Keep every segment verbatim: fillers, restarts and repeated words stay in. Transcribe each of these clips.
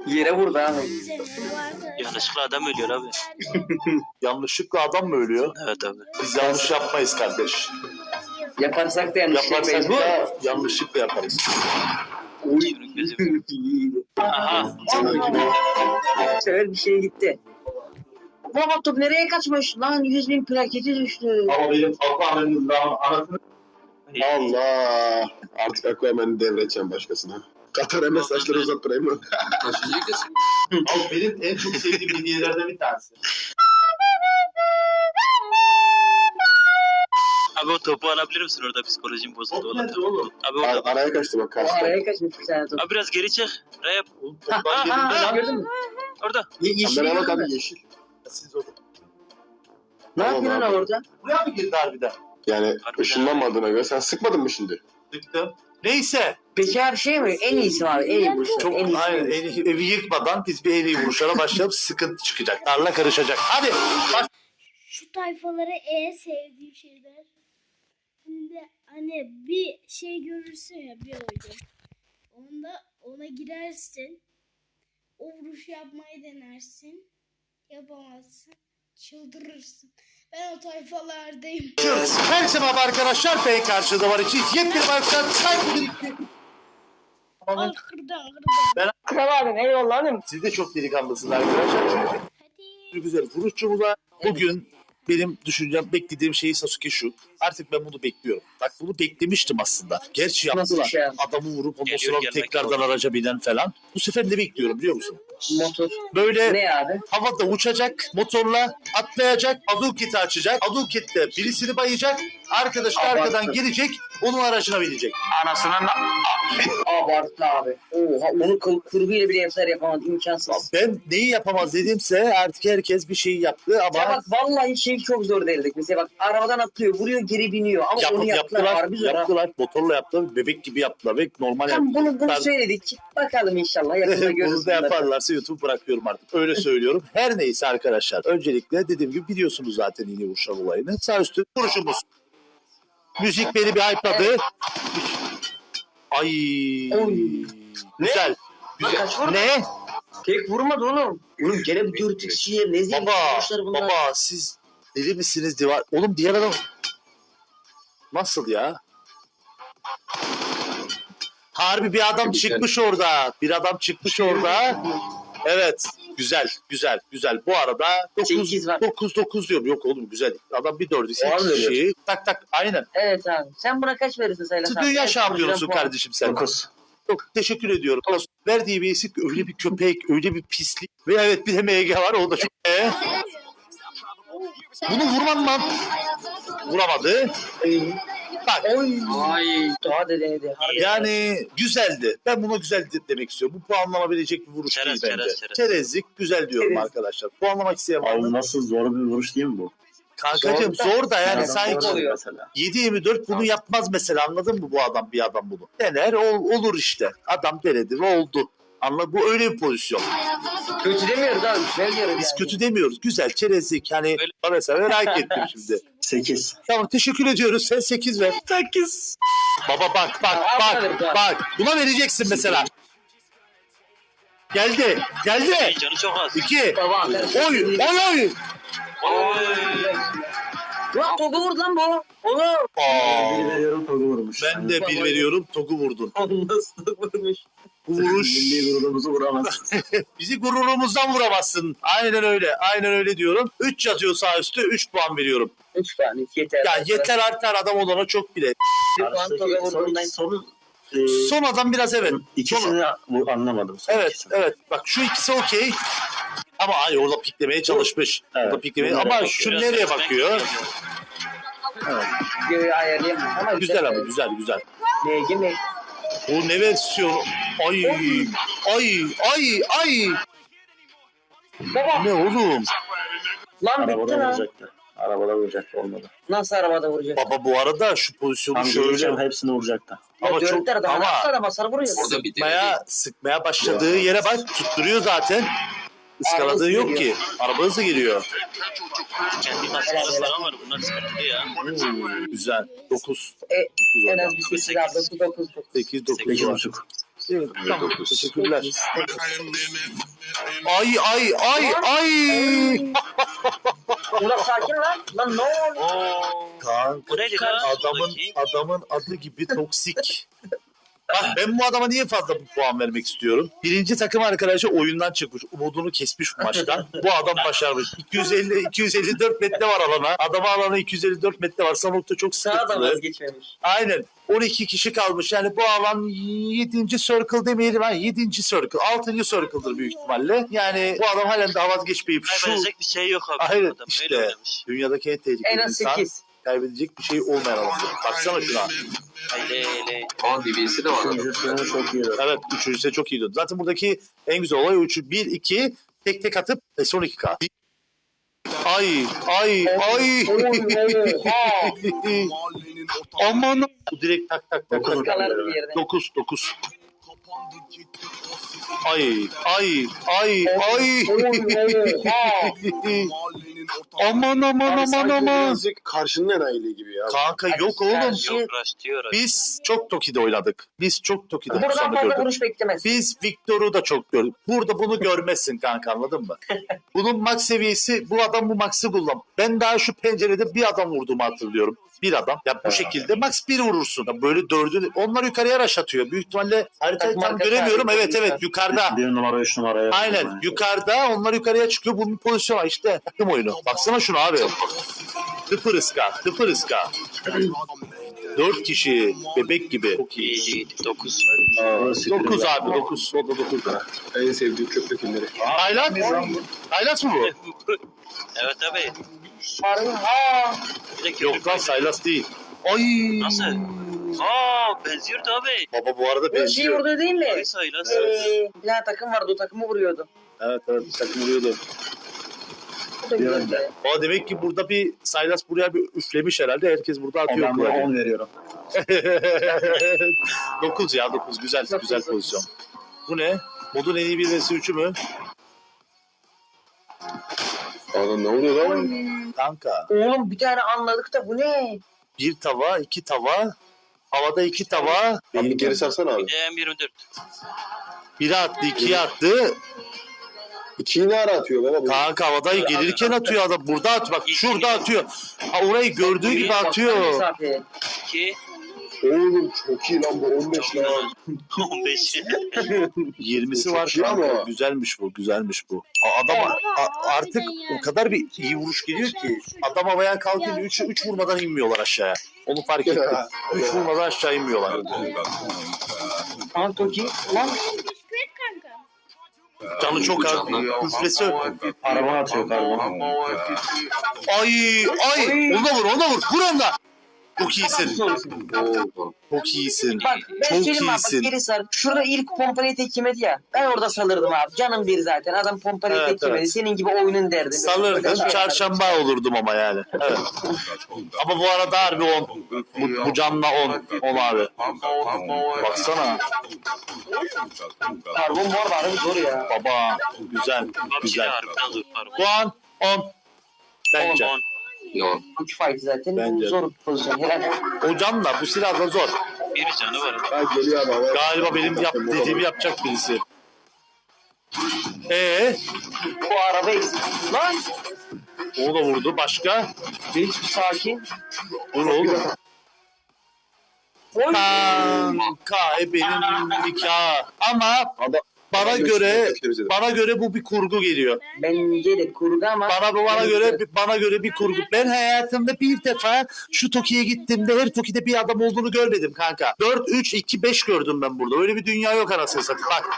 Yere vurdu abi. Yanlışlıkla adam ölüyor abi. Yanlışlıkla adam mı ölüyor? Evet abi. Biz yanlış yapmayız kardeş. Yaparsak da yanlış Yaparsak yapmayız. da yanlışlıkla yaparız. Şunun gözü. Aha. Sever bir şey gitti. Baba top nereye kaçmış? Lan yüz bin plaketi düştü. Ama benim Aquaman'ın anasını... Allah! Artık Aquaman'ı devredeceğim başkasına. Katar'a mesajları uzattırayım mı? Abi benim en çok sevdiğim hediyelerden bir tanesi. Abi o topu alabilir misin orada, psikolojim bozuldu. Top nerede oğlum? Abi Ar- orada. araya kaçtı bak O karşıda. araya kaçmış bir tane top. Abi biraz geri çık. Rap. Oğlum Ha toplar ha yerinde ha lan. gördün mü? Orada. Ye yeşil Kameraya gördün bak mü? abi yeşil. Siz orada. Ne Tamam yapıyorsun abi. orada? Buraya mı girdi harbiden? Yani Harbiden. ışınlanmadığına göre sen sıkmadın mı şimdi? Tıktım. Neyse. Peki abi şey mi? En iyisi mi abi? En iyi vuruş. Çok En iyisi. aynen, en iyi- evi yıkmadan biz bir en iyi vuruşlara başlayalım. Sıkıntı çıkacak. Tarla karışacak. Hadi. Baş... Şu tayfaları en sevdiğim şeyler. Şimdi hani bir şey görürsün ya, bir oyun. Onda ona girersin. O vuruşu yapmayı denersin. Yapamazsın. Çıldırırsın. Ben o tayfalardayım. Herkese merhaba arkadaşlar. Ben karşıda var için yepyeni arkadaşlar. Al kırdan kırdan. Kral abim eyvallah abim. Siz de çok delikanlısınız arkadaşlar. Hadi. Çünkü güzel vuruşçumuza bugün benim düşüncem, beklediğim şey Sasuke şu. Artık ben bunu bekliyorum. Bak bunu beklemiştim aslında. Gerçi Nasıl yaptılar. bir şey? Adamı vurup ondan Geliyor, sonra gelmek tekrardan yok. araca binen falan. Bu sefer ne bekliyorum biliyor musun? Motor. Böyle Ne abi? havada uçacak, motorla atlayacak, Hadouken'i açacak. Hadouken'le birisini bayacak. Arkadaş da Abarttı. arkadan gelecek, onun aracına binecek. Anasının... Abartı abi. Oha onu kıl- kurguyla bile yapsalar yapamadı. İmkansız. Ben neyi yapamaz dedimse artık herkes bir şey yaptı ama... Ya bak vallahi şey çok zor değildik. Mesela bak arabadan atlıyor, vuruyor, geri biniyor. Ama Yap, onu yaptılar, yaptılar, harbi zor ha. yaptılar. Motorla yaptılar, bebek gibi yaptılar ve normal Tam bunu, bunu yaptılar. söyledik. Bakalım inşallah yakında görürüz. Bunu da yaparlarsa YouTube bırakıyorum artık. Öyle söylüyorum. Her neyse arkadaşlar. Öncelikle dediğim gibi biliyorsunuz zaten yine vuruşlar olayını. Sağ üstü vuruşumuz. Müzik beni bir hype'ladı. Ay. Oy. Güzel. Lan kaç vurdu? Ne? Tek vurmadı oğlum. Oğlum gene bir dört kişiye ne zevkli Baba. vuruşlar bunlar. Baba siz deli misiniz diye. Oğlum diğer adam. Nasıl ya? Harbi bir adam çıkmış orada. Bir adam çıkmış orada. Evet. Güzel, güzel, güzel. Bu arada Sekiz var. dokuz dokuz diyorum. Yok oğlum güzel. Adam bir dördü. Var mı sekiz kişi. Tak tak. Aynen. Evet abi. Sen buna kaç verirsin Sayla? Siz dünya şampiyonusun kardeşim sen. dokuz. Çok teşekkür ediyorum. Verdiği bir isim öyle bir köpek, öyle bir pislik. Ve evet bir de M G var. O da çok... Ee? Bunu vurman lan. Vuramadı. Bak. Oy. Ay. Daha da denedi. Harbi. Yani güzeldi. Ben buna güzel de- demek istiyorum. Bu puanlanabilecek bir vuruş Çerez, değil bence. çerez, çerez. Çerezlik güzel diyorum Çerez. arkadaşlar. Puanlamak isteyen var mı? Abi nasıl zor bir vuruş değil mi bu? Kankacığım Zor da- zor da yani Adam sanki zor oluyor. Mesela. yedi yirmi dört bunu yapmaz mesela, anladın mı bu adam, bir adam bunu. Dener ol- olur işte. Adam denedi ve oldu. Anla, bu öyle bir pozisyon. Kötü demiyoruz abi. Güzel diyoruz Biz yani. kötü demiyoruz. Güzel, çerezlik. Hani Öyle- mesela merak ettim şimdi. sekiz. Tamam teşekkür ediyoruz. Sen sekiz ver. sekiz. Baba bak bak Al, bak al, al. bak. Buna vereceksin mesela. Geldi. Geldi. Ay, canı çok az. İki. Baba. Oy. Oy oy. Oy. Lan topu vurdu lan bu. Oğlum. Aa, Bir veriyorum Togu vurmuş. ben de bir veriyorum. Togu vurdun. Nasıl vurmuş? Bu vuruş. Milli gururumuzu vuramazsın. Bizi gururumuzdan vuramazsın. Aynen öyle. Aynen öyle diyorum. üç yazıyor sağ üstü. üç puan veriyorum. Üç tane yeter. Ya yeter artar, adam olana çok bile. Bir puan topu Karşıdaki son, vurduğundan. son, e, Son adam biraz evet. ikisini bu- anlamadım. Son Evet ikisini. evet. Bak şu ikisi okey. Ama ay orada piklemeye çalışmış. Evet. Orada piklemeye. Bunlara Ama bakıyor. şu Biraz nereye ben- bakıyor? Göğü ayarlayamam. Ama Güzel ama güzel güzel. Ne gibi? O ne versiyon? Ay ay ay ay. Baba. Ne oğlum? Lan bitti Arabada lan. vuracaktı. Arabada vuracaktı, olmadı. Nasıl arabada vuracak? Baba bu arada şu pozisyonu Tam şöyle. göreceğim, hepsini vuracaktı. Ama Ama çok- çok ama ama- nasıl araba sarı vuruyor? Sıkmaya, sıkmaya başladığı yere bak, tutturuyor zaten. Iskaladığı Araba yok hızlı ki. Araba hızlı geliyor. Kendi kaskları falan var. Bunlar sıkıntılı ya. Hmm, güzel. dokuz. E, dokuz En orada. az bir sekiz aldı. dokuz dokuz. sekiz dokuz sekiz var. buçuk. Evet, tamam. dokuz. Teşekkürler. Ay ay ay ay. Ulan sakin lan. Lan ne oldu? Oo. Kanka Bu neydi lan? adamın Soldaki? adamın adı gibi toksik. Bak ben bu adama niye fazla bu puan vermek istiyorum? Birinci takım arkadaşı oyundan çıkmış. Umudunu kesmiş bu maçtan. Bu adam başarmış. iki yüz elli iki yüz elli dört metre var alana. Adama alana iki yüz elli dört metre var. Sanokta çok Sağ da sıkıntılı. vazgeçmemiş. Aynen. on iki kişi kalmış. Yani bu alan yedinci circle demeyelim. Ha, yedinci circle. altıncı circle'dır büyük ihtimalle. Yani bu adam halen daha vazgeçmeyip şu... Kaybedecek bir şey yok abi. Hayır Adam işte. öyle oynamış. Dünyadaki en tehlikeli En az insan. sekiz. Kaybedecek bir şey olmayan adam. Baksana şuna. Hele hele. Aa D B S'si de var. adamın. Üçüncüsünü çok iyi. Evet. Üçüncüsü de çok iyi döndü. Zaten buradaki en güzel olay üçü. Bir, iki. Tek tek atıp e, son iki K. Ay, ay, ay. Aman. Bu direkt tak tak tak. Dokuz Kalar bir yerde. Dokuz, dokuz. Ay, ay, ay, ay. Aman aman Abi aman sanki aman. birazcık karşının enayiliği gibi ya. Kanka yok oğlum. Yok rush diyor. rush. Biz çok Toki'de oynadık. Biz çok Toki'de bu Buradan sonu fazla gördük. vuruş beklemez. Biz Victor'u da çok gördük. Burada bunu görmezsin kanka, anladın mı? Bunun max seviyesi, bu adam bu max'ı kullan. Ben daha şu pencerede bir adam vurduğumu hatırlıyorum. Bir adam. Ya bu şekilde max bir vurursun. Ya böyle dördü. Onlar yukarıya rush atıyor. Büyük ihtimalle haritayı Takım tam arkası göremiyorum. abi. Evet evet yukarıda. Bir numara, üç numaraya. Aynen yukarıda, onlar yukarıya çıkıyor. Bunun pozisyonu işte takım oyunu. Baksana şunu abi. Tıpır ıska, tıpır ıska. Dört kişi bebek gibi. Çok iyi. İyi iyi. dokuz. Dokuz abi dokuz. O da dokuz. En sevdiğim köpek filmleri. Tayland. Tayland mı bu? Evet abi. Harbi. Aa. Bir de Yok köpek lan var. Saylas değil. Ay. Nasıl? Aa benziyordu abi. Baba bu arada Bu şey benziyor. vurdu değil mi? Ay sayılas. Ee, bir tane takım vardı, o takımı vuruyordu. Evet evet bir takım vuruyordu. O da güzeldi. O demek ki burada bir Saylas buraya bir üflemiş herhalde. Herkes burada atıyor. Ben buna on veriyorum. dokuz ya dokuz. Güzel Dokuz, güzel dokuz. pozisyon. Bu ne? Modun en iyi bir vs üçü mü? Adam ne oluyor lan? Kanka. Oğlum bir tane anladık da bu ne? Bir tava, iki tava. Havada iki tava. Abi bir geri sarsana abi. Bir de M yirmi dört. Biri attı, ikiye attı. İkiyi ne ara atıyor baba? Bu? Kanka havada gelirken atıyor adam. Burada at bak. Şurada atıyor. Ha, orayı gördüğü gibi atıyor. Mesafe. iki. Oğlum çok iyi lan bu on beş Çok lan. on beş. yirmisi Çok var iyi kanka. ama. Güzelmiş bu, güzelmiş bu. A- Adam a- artık o kadar bir iyi vuruş geliyor ki adam havaya kalkınca üç üç vurmadan inmiyorlar aşağıya. Onu fark ettim. üç vurmadan aşağı inmiyorlar. Tamam Toki. Lan Bisiklet kanka. Canı çok az. Üflesi. Araba atıyor galiba. Ay ay. Ona vur, ona vur. Vur onda. Çok iyisin. Oo. Çok iyisin. bak ben Çok söyleyeyim abi, bak iyisin. geri sar. Şurada ilk pompalayı tek yemedi ya. Ben orada salırdım abi. Canım bir zaten. Adam pompalayı Evet, tek yemedi. evet. Senin gibi oyunun derdi. Salırdım, çarşamba olurdum ama yani. Evet. Ama bu arada harbi on. Bu, bu canla on. on abi. Baksana. Karbon bu arada harbi zor ya. Baba. Güzel. Abi Güzel. harbiden zor. Puan on. Bence. on. Yok. Üç fight zaten. Bence. Bu zor bir pozisyon. Helal. O canla bu silahla zor. Bir canı var. Ha geliyor abi. havaya. Galiba benim yap, dediğimi yapacak birisi. Ee, Bu araba eksik. Lan. o da vurdu. Başka? Hiç sakin. Vur oğlum. Oy. Kanka e benim nikah. Ama Adam- bana adam göre gösterdi bize de. bana göre bu bir kurgu geliyor. Bence de kurgu ama. Bana bu bana göre bana göre bir kurgu. Ben hayatımda bir defa şu Toki'ye gittiğimde her Toki'de bir adam olduğunu görmedim kanka. dört üç iki beş gördüm ben burada. Öyle bir dünya yok anasını satayım. Bak.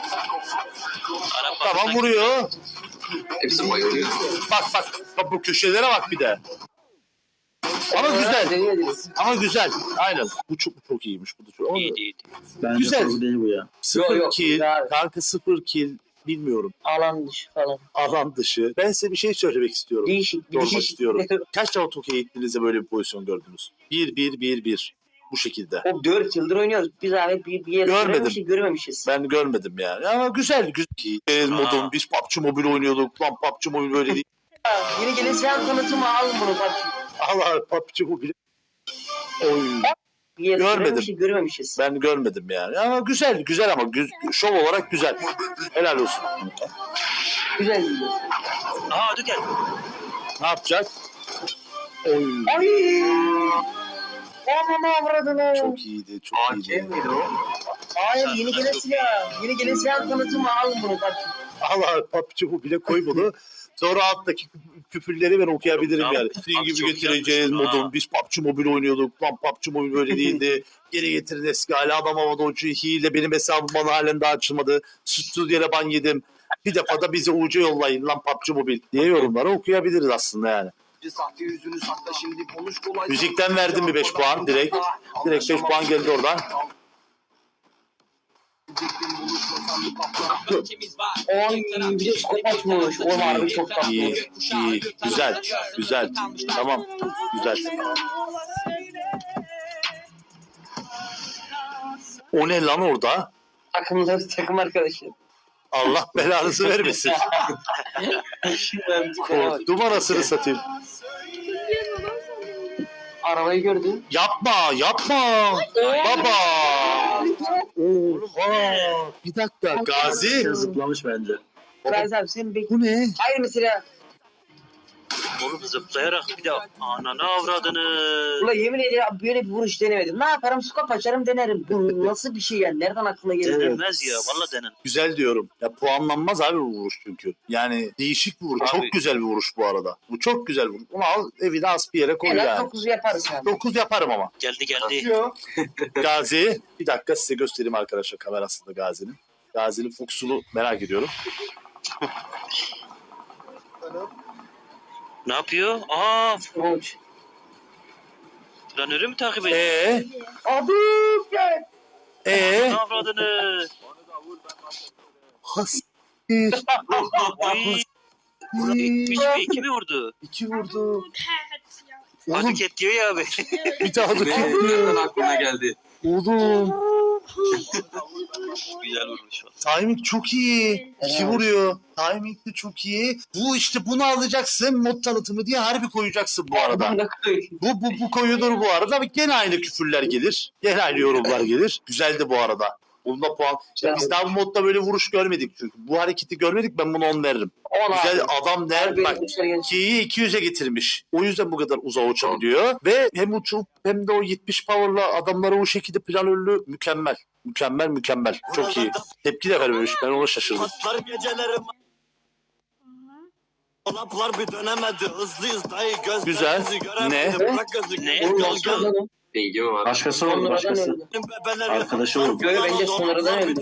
Arap Tamam vuruyor. Hepsi bayılıyor. Bak bak. Bak bu köşelere bak bir de. Ama güzel. Deneyebiliriz. Ama güzel. Aynen. Bu çok çok iyiymiş. Bu da çok. Ama İyiydi iyiydi. Bence Güzel. kurgu değil bu ya. sıfır Yok, yok, kill. güzel. Kanka sıfır kill. Bilmiyorum. Alan dışı falan. Alan dışı. Ben size bir şey söylemek istiyorum. Değişik bir Sormak değişik. istiyorum. Kaç defa Toki'ye gittiğinizde böyle bir pozisyon gördünüz? bir bir bir bir. Bu şekilde. O dört yıldır oynuyoruz. Biz abi bir, bir yere Görmedim. görememişiz, görememişiz. Ben görmedim yani. Ama güzel. Güzel. Ki, e, modum biz P U B G Mobile oynuyorduk. Lan P U B G Mobile böyle değil. Yeni gelen sen tanıtımı al bunu bak. Allah P U B G Mobile. Oy. Bir Görmedim. Görmemiş, görmemişiz. Ben görmedim yani. Ama güzel, güzel ama güz, şov olarak güzel. Helal olsun. Güzel. Aha hadi gel. Ne yapacak? Oy. Ay! Aman avradını. Çok iyiydi, çok iyiydi. miydi o? Hayır, yeni gelen silah. Yeni gelen silah tanıtımı, alın bunu bak. Allah papçı bu bile koy bunu. Sonra alttaki küfürleri ben okuyabilirim Tamam. yani. Sizin Abi gibi çok getireceğiz yapmışsın ha. modum. Biz P U B G Mobile oynuyorduk. Lan P U B G Mobile öyle değildi. Geri getirin eski hali. Adam havada uçuyor. Hile benim hesabım bana halen daha açılmadı. Suçsuz yere ban yedim. Bir defa da bize U C yollayın lan P U B G Mobile diye yorumları okuyabiliriz aslında yani. Sahte yüzünü sakla şimdi konuş kolay. Müzikten verdim bir beş puan direkt. Direkt beş puan geldi oradan. Oy, bir de skop açmış. O harbi çok tatlı. İyi, iyi, güzel, güzel. Tamam, güzel. O ne lan orada? Takımlar, takım arkadaşı. Allah belanızı vermesin. Korktum anasını satayım. Arabayı gördüm. Yapma, yapma. Baba. Oha. Bir dakika. Gazi. Zıplamış bence. Gazi abi senin bek... Bu ne? Hayır mesela. Oğlum zıplayarak bir de ananı avradını. Ulan yemin ederim böyle bir vuruş denemedim. Ne yaparım? Skop açarım denerim. Bu nasıl bir şey yani? Nereden aklına geliyor? Denilmez ya valla denen. Güzel diyorum. Ya puanlanmaz abi bu vuruş çünkü. Yani değişik bir vuruş. Abi. Çok güzel bir vuruş bu arada. Bu çok güzel bir vuruş. Bunu al evine as bir yere koy Helal yani. dokuzu yaparız yani. dokuz yaparım ama. Geldi geldi. Gazi. Bir dakika size göstereyim arkadaşlar kamerasında Gazi'nin. Gazi'nin fuksunu merak ediyorum. Ne yapıyor? Aa Uç. planörü mü takip ediyor? Eee? Abi gel. Eee? Ne avradını? Hastir. Oy. Bitmiş mi? İki mi vurdu? İki vurdu. Oğlum Adık et diyor ya abi. bir daha da Benim tuttu. aklıma geldi. Oğlum. Güzel vurmuş. Timing çok iyi. İki vuruyor. Timing de çok iyi. Bu işte bunu alacaksın. Mod tanıtımı diye harbi koyacaksın bu arada. Bu, bu, bu koyulur bu arada. Gene aynı küfürler gelir. Gene aynı yorumlar gelir. Güzeldi bu arada. Bunda puan. İşte biz daha bu modda böyle vuruş görmedik çünkü. Bu hareketi görmedik ben buna on veririm. On Güzel abi. adam der. Harbi Bak vuruşlar genç. Ki'yi iki yüze getirmiş. O yüzden bu kadar uzağa uçabiliyor. Ve hem uçup hem de o yetmiş power'la adamları o şekilde planörlü mükemmel. Mükemmel mükemmel. Çok iyi. Tepki de vermemiş. Ben ona şaşırdım. Patlar gecelerim. Dolaplar bir dönemedi. Hızlıyız dayı göz. Güzel. Ne? Ne? Bilgi var. Başkası oldu başkası. Arkadaşı oldu. Böyle bence sonradan öldü.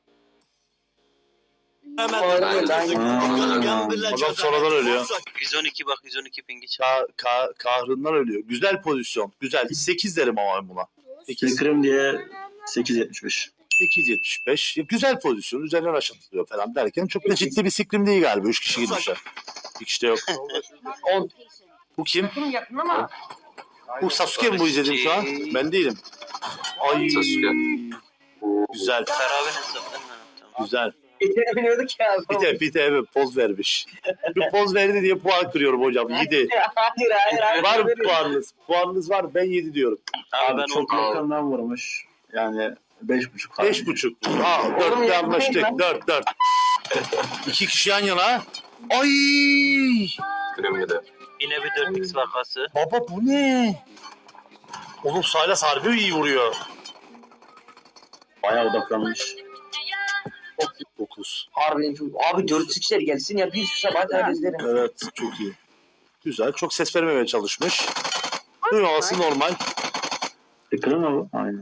Adam sonradan ölüyor. yüz on iki bak yüz on iki pingi çal. Ka ka kahrından ölüyor. Güzel pozisyon. Güzel. sekiz derim ama ben buna. sekiz. Fikrim diye sekiz yetmiş beş. sekiz yetmiş beş. Ya güzel pozisyon. Üzerinden aşatılıyor falan derken çok da ciddi bir sikrim değil galiba. Üç kişi gitmişler. Bir kişi de yok. On. Bu kim? Yakın yakın ama. Bu Sasuke mi bu izledim şu an? Ben değilim. Ay. Sasuke. Güzel. Beraber hesaptan ha. Tamam. Güzel. Geçebiliyorduk ya. Bir de bir de evet poz vermiş. Bir poz verdi diye puan kırıyorum hocam. yedi. Hayır hayır hayır. Var mı puanınız? Puanınız var. Ben yedi diyorum. Abi Abi ben çok onu yakından vurmuş. Yani beş buçuk falan. Beş buçuk. Aa, dörtte anlaştık. Dört, dört. İki kişi yan yana. Ay! Kremiyede. yine bir dört x vakası. Baba bu ne? Oğlum Saylas harbi iyi vuruyor. Bayağı odaklanmış. dokuz. Harbiden çok. Abi dört sıçlar gelsin ya. Bir şu sabah kadar izlerim. Evet çok iyi. Güzel. Çok ses vermemeye çalışmış. Duymaması normal. Fikrim mi bu? Aynen.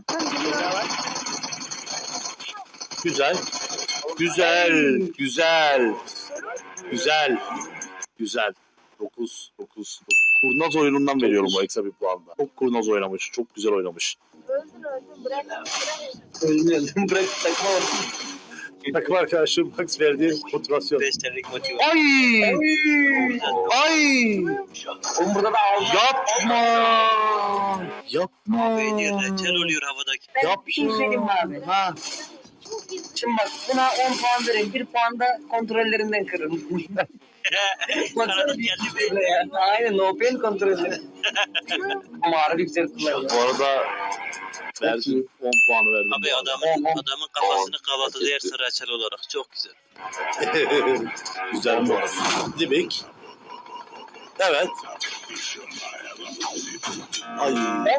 Güzel. Güzel. Güzel. Güzel. Güzel. dokuz. dokuz. Kurnaz oyunundan veriyorum o ekstra bir puanda. Çok kurnaz oynamış. Çok güzel oynamış. Öldüm bırak takma. Takım arkadaşım Max verdiği motivasyon. beş TL'lik motivasyon. Ay! Ay! Oğlum burada da aldım. Yapma! Yapma! Beyni reçel oluyor havadaki. Ben bir şey söyleyeyim mi abi? Ha. Şimdi bak buna on puan verin. bir puan da kontrollerinden kırın. Baksana Kanadı bir geldi böyle ya. Aynen no pain kontrolü. Ama harbi güzel kullanıyor. Bu arada Verdim. on puanı verdim. Abi adamın adamın kafasını kavatı dersin reçel olarak. Çok güzel. Güzel bu arada. Dibik. Evet. Ay.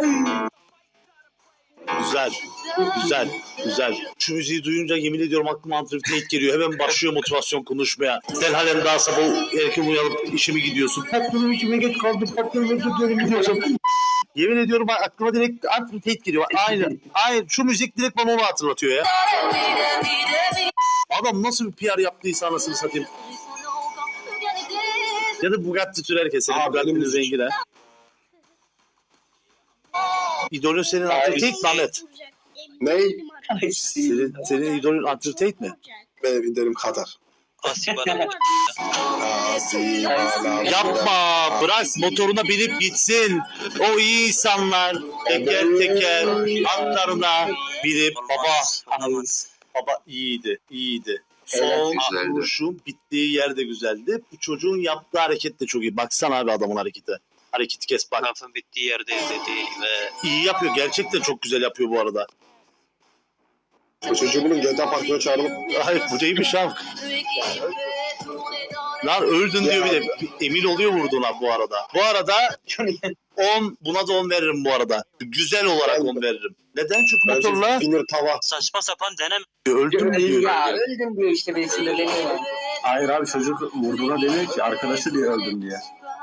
Güzel. Güzel. Güzel. Şu müziği duyunca yemin ediyorum aklıma Antrifnate geliyor. Hemen başlıyor motivasyon konuşmaya. Sen halen daha sabah erken uyanıp işimi gidiyorsun. Patronum işime geç kaldım. Patronum özür dilerim gidiyorsun. Yemin ediyorum aklıma direkt Antrifnate geliyor. Aynen. Aynen. Şu müzik direkt bana onu hatırlatıyor ya. Adam nasıl bir P R yaptıysa anasını satayım. Ya da Bugatti sürerken senin Aa, Bugatti'nin benim- zengin ha. İdolün senin Antrifnate mi Ahmet? Ney? Senin, senin idolün Antrifnate mi? Benim idealim Katar. Asi bana Yapma, bırak motoruna binip gitsin. O iyi insanlar teker teker atlarına binip baba, olamaz. baba iyiydi, iyiydi. Son güzeldi. vuruşun bittiği yer de güzeldi. Bu çocuğun yaptığı hareket de çok iyi. Baksana abi adamın hareketi. Hareketi kes bak. Lafın bittiği yerde dedi ve İyi yapıyor. Gerçekten çok güzel yapıyor bu arada. Bu çocuğu bunun G T A Parkı'na çağıralım. Hayır bu değilmiş abi. Lan öldün diyor bir de. Emin oluyor vurduğuna bu arada. Bu arada on buna da on veririm bu arada. Güzel olarak on veririm. Neden? Çünkü Bence motorla Finir tava. saçma sapan deneme. öldüm diyor. Ya öldüm diyor işte beni sinirleniyor. Hayır abi çocuk vurduğuna demiyor ki arkadaşı diye öldüm diye.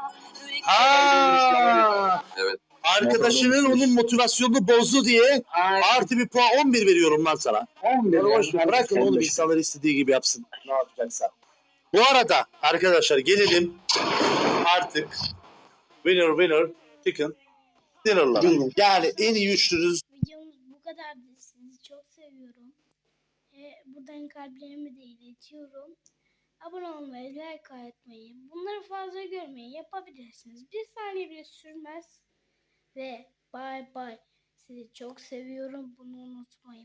Aa! Evet. Arkadaşının onun motivasyonunu bozdu diye Aynen. artı bir puan on bir veriyorum lan sana. on bir Ya boş ver, bırakın oğlum insanlar istediği gibi yapsın. Ne yapacaksa. Bu arada arkadaşlar gelelim artık winner winner chicken dinner'lara. Yani en iyi üçlünüz Videomuz bu kadardı. Sizi çok seviyorum. E, buradan kalplerimi de iletiyorum. Abone olmayı, like atmayı, bunları fazla görmeyi yapabilirsiniz. Bir saniye bile sürmez. Ve bye bye. Sizi çok seviyorum. Bunu unutmayın.